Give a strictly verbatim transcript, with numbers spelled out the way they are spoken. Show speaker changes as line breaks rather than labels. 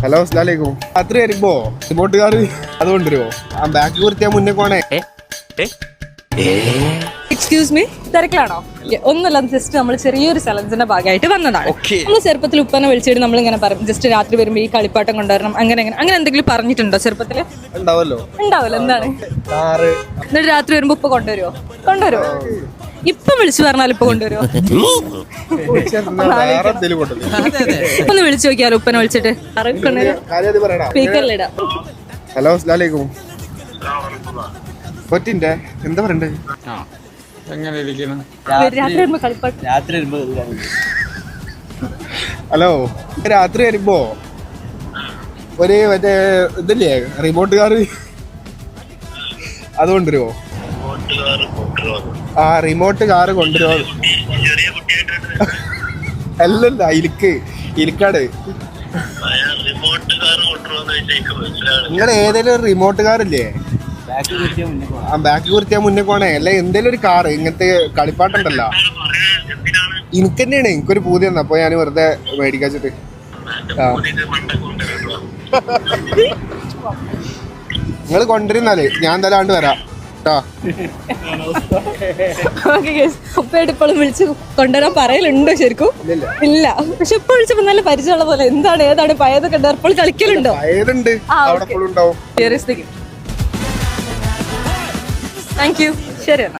Hello അസ്സലാമലൈക്കും. രാത്രി വരുമ്പോ റിമോട്ടുകാർ അത് കൊണ്ടുവരുമോ? ആ ബാക്ക് കുറിച്ചാൽ മുന്നേ പോണേ.
എക്സ്ക്യൂസ് മീ, തിരക്കിലാണോ? ഒന്നുമില്ല, ജസ്റ്റ് നമ്മൾ ചെറിയൊരു ചലഞ്ചിന്റെ ഭാഗമായിട്ട് വന്നതാണ്. നമ്മൾ ചെറുപ്പത്തിൽ ഉപ്പനെ വിളിച്ചിട്ട് നമ്മൾ ഇങ്ങനെ പറയും, ജസ്റ്റ് രാത്രി വരുമ്പോൾ ഈ കളിപ്പാട്ടം കൊണ്ടുവരണം, അങ്ങനെ അങ്ങനെ അങ്ങനെ എന്തെങ്കിലും പറഞ്ഞിട്ടുണ്ടോ ചെറുപ്പത്തില്?
ഉണ്ടാവല്ലോ.
ഉണ്ടാവല്ലോ. എന്താണ്? എന്നിട്ട് രാത്രി വരുമ്പോ ഉപ്പ കൊണ്ടുവരുമോ? കൊണ്ടുവരുമോ? ഇപ്പൊ വിളിച്ചു പറഞ്ഞാൽ ഇപ്പൊ കൊണ്ടുവരുമോ? ഒന്ന് വിളിച്ചു നോക്കിയാലോ ഉപ്പനെ വിളിച്ചിട്ട്? സ്പീക്കറിലിടാം.
ഹലോ അസ്സലാമലൈക്കും. കൊറ്റിന്റെ എന്താ പറയണ്ടേ?
രാത്രി വരുമ്പോ കളിപ്പാട്ടം.
ഹലോ, രാത്രി വരുമ്പോ ഒരു മറ്റേ ഇതില്ലേ റിമോട്ടുകാർ അത് കൊണ്ടുവരുമോ? ആ റിമോട്ട് കാറ് കൊണ്ടുവരുമോ? അല്ലല്ല, ഇരിക്ക് ഇരിക്കാട്. നിങ്ങള് ഏതെങ്കിലും ഒരു റിമോട്ട് കാറില്ലേ? ആ ബാക്കി കുറിച്ചാൽ മുന്നേ പോണേ. അല്ലെ എന്തേലും ഒരു കാറ് ഇങ്ങനത്തെ കളിപ്പാട്ടുണ്ടല്ലോ. എനിക്ക് തന്നെയാണ്, എനിക്കൊരു പൂതി തന്നെ. അപ്പൊ ഞാൻ വെറുതെ മേടിക്കാച്ചിട്ട്. ആ നിങ്ങൾ കൊണ്ടുവരുന്നാല് ഞാൻ എന്തായാലും ആണ്ട് വരാം.
ഉപ്പയോട് ഇപ്പോഴും വിളിച്ച് കൊണ്ടുവരാൻ പറയലുണ്ടോ? ശരിക്കും ഇല്ല. പക്ഷെ ഇപ്പൊ വിളിച്ചപ്പോ നല്ല പരിചയമുള്ള പോലെ. എന്താണ് ഏതാണ് പഴയതൊക്കെ ഉണ്ട്? ഇപ്പോൾ കളിക്കലുണ്ടോ? Thank you. ശരി.